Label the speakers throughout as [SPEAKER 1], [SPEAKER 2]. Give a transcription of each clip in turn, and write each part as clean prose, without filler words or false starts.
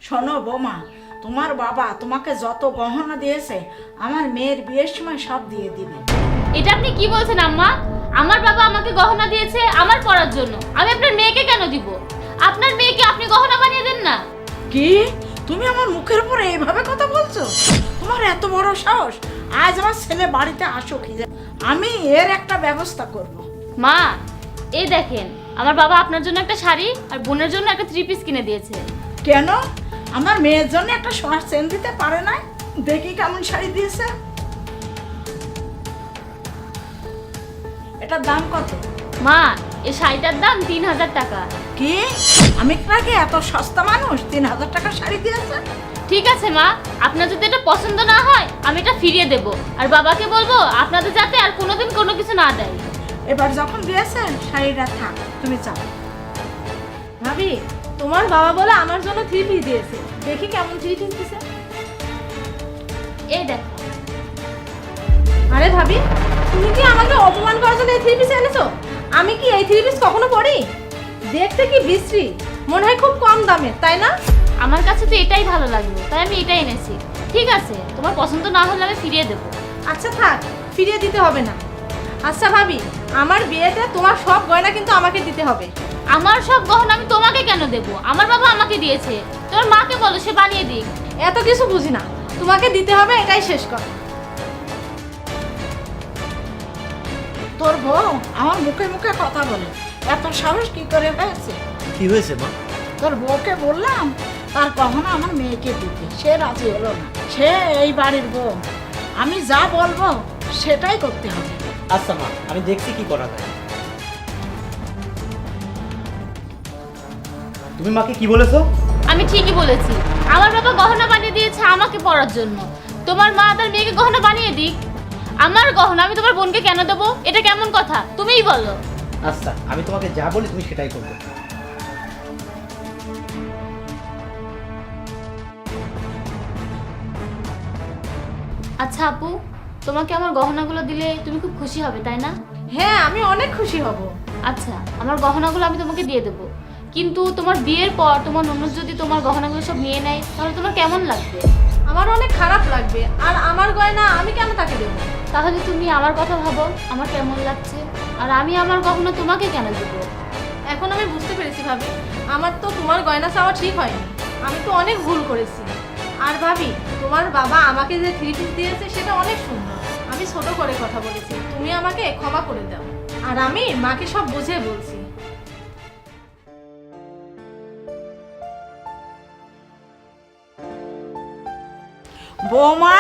[SPEAKER 1] শোনো বৌমা, তোমার বাবা তোমাকে যত গহনা দিয়েছে আমার মেয়ের বিয়ের সময় সব দিয়ে দিবে।
[SPEAKER 2] এটা আপনি কি বলছেন আম্মা? আমার বাবা আমাকে গহনা দিয়েছে আমার পড়ার জন্য, আমি আপনার মেয়েকে কেন দিব? আপনার মেয়েকে আপনি গহনা বানিয়ে দেন না।
[SPEAKER 1] কি তুমি আমার মুখের উপরে এইভাবে কথা বলছো? তোমার এত বড় সাহস! আজ আমার ছেলে বাড়িতে আসুক, আমি এর একটা ব্যবস্থা করব।
[SPEAKER 2] মা, এই দেখেন, আমার বাবা আপনার জন্য একটা শাড়ি আর বোনের জন্য একটা 3 পিস কিনে দিয়েছে।
[SPEAKER 1] কেন আমার মেয়ের জন্য একটা সোনার চেন দিতে পারে না? দেখি কেমন শাড়ি দিয়েছে। এটার দাম কত?
[SPEAKER 2] মা, এই শাড়িটার দাম 3000 টাকা।
[SPEAKER 1] কি আমি নাকি এত সস্তা মানুষ 3000 টাকা শাড়ি দিয়েছে?
[SPEAKER 2] ঠিক আছে মা, আপনার যদি এটা পছন্দ না হয় আমি এটা ফিরিয়ে দেব, আর বাবাকে বলবো আপনাদের যাতে আর কোনোদিন কোনো কিছু না দেয়।
[SPEAKER 1] এবার যখন দিয়েছেন শাড়িটা থাক, তুমি চাও।
[SPEAKER 3] ভাবি, তোমার বাবা বলে আমার জন্য 3 পিস দিয়েছে, দেখি কেমন 3 পিস দিয়েছে।
[SPEAKER 2] এই দেখো।
[SPEAKER 3] আরে ভাবি, তুমি কি আমাকে অপমান করার জন্য এই 3 পিস এনেছো? আমি কি এই 3 পিস কখনো পরি? দেখতে কি বিশ্রী, মনে হয় খুব কম দামে, তাই না?
[SPEAKER 2] আমার কাছে তো এটাই ভালো লাগলো, তাই আমি এটাই এনেছি। ঠিক আছে, তোমার পছন্দ না হলে আমি ফিরিয়ে দেবো।
[SPEAKER 3] আচ্ছা থাক, ফিরিয়ে দিতে হবে না। আচ্ছা ভাবি, আমার বিয়েতে তোমার সব গয়না কিন্তু আমাকে দিতে হবে।
[SPEAKER 2] আমার সব গহনা আমি তোমাকে কেন দেব? আমার বাবা আমাকে দিয়েছে, তোর মাকে বলো সে বানিয়ে দিক।
[SPEAKER 3] এত কিছু বুঝি না, তোমাকে দিতে হবে, এটাই শেষ কথা।
[SPEAKER 1] তোর বউ আমার মুখে মুখে কথা বলে, এত সাহস কি করে হয়েছে?
[SPEAKER 4] কি হয়েছে মা?
[SPEAKER 1] তোর বউকে বললাম তার গহনা আমার মেয়েকে দিতে, সে রাজি হলো না। সে এই বাড়ির বউ, আমি যা বলবো সেটাই করতে হবে।
[SPEAKER 4] আচ্ছা মা, আমি দেখছি কি করা যায়। তুমি মাকে কি বলেছো?
[SPEAKER 2] আমি ঠিকই বলেছি, আমার বাবা গহনা বানিয়ে দিয়েছে আমাকে পরার জন্য, তোমার মা তার মেয়েকে গহনা বানিয়ে দিক। আমার গহনা আমি তোমার বোনকে কেন দেবো? এটা কেমন কথা, তুমিই বলো।
[SPEAKER 4] আচ্ছা, আমি তোমাকে যা বলি তুমি সেটাই করবে।
[SPEAKER 2] আচ্ছা আপু, তোমাকে আমার গহনাগুলো দিলে তুমি খুব খুশি হবে তাই না?
[SPEAKER 3] হ্যাঁ, আমি অনেক খুশি হব।
[SPEAKER 2] আচ্ছা, আমার গহনাগুলো আমি তোমাকে দিয়ে দেবো, কিন্তু তোমার বিয়ের পর তোমার ননদ যদি তোমার গহনাগুলো সব নিয়ে নেয় তাহলে তোমার কেমন লাগবে?
[SPEAKER 3] আমার অনেক খারাপ লাগবে, আর আমার গয়না আমি কেন তাকে দেবো?
[SPEAKER 2] তাহলে তুমি আমার কথা ভাবো, আমার কেমন লাগছে, আর আমি আমার গহনা তোমাকে কেন দেবো?
[SPEAKER 3] এখন আমি বুঝতে পেরেছি ভাবি, আমার তো তোমার গয়না চাওয়া ঠিক হয়নি, আমি তো অনেক ভুল করেছি। আর ভাবি, তোমার বাবা আমাকে যে 3 পিস দিয়েছে সেটা অনেক সুন্দর, আমি ছোট করে কথা বলেছি, তুমি আমাকে ক্ষমা করে দাও। আর আমি মাকে সব বুঝিয়ে বলছি।
[SPEAKER 1] বৌমা,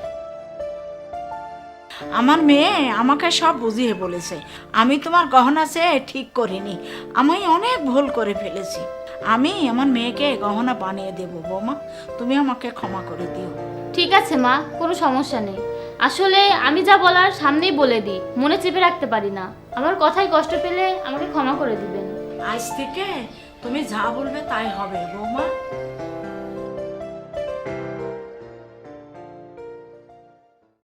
[SPEAKER 1] আমার মেয়ে আমাকে সব বুঝিয়ে বলেছে, আমি তোমার গহনা চেয়ে ঠিক করিনি, আমি অনেক ভুল করে ফেলেছি। আমি আমার মেয়েকে গহনা বানিয়ে দেবো। বৌমা, তুমি আমাকে ক্ষমা করে দিও।
[SPEAKER 2] ঠিক আছে মা, কোনো সমস্যা নেই। আসলে আমি যা বলার সামনেই বলে দিই, মনে চেপে রাখতে পারি না। আমার কথায় কষ্ট পেলে আমাকে ক্ষমা করে দিবেন।
[SPEAKER 1] আজ থেকে তুমি যা বলবে তাই হবে বৌমা।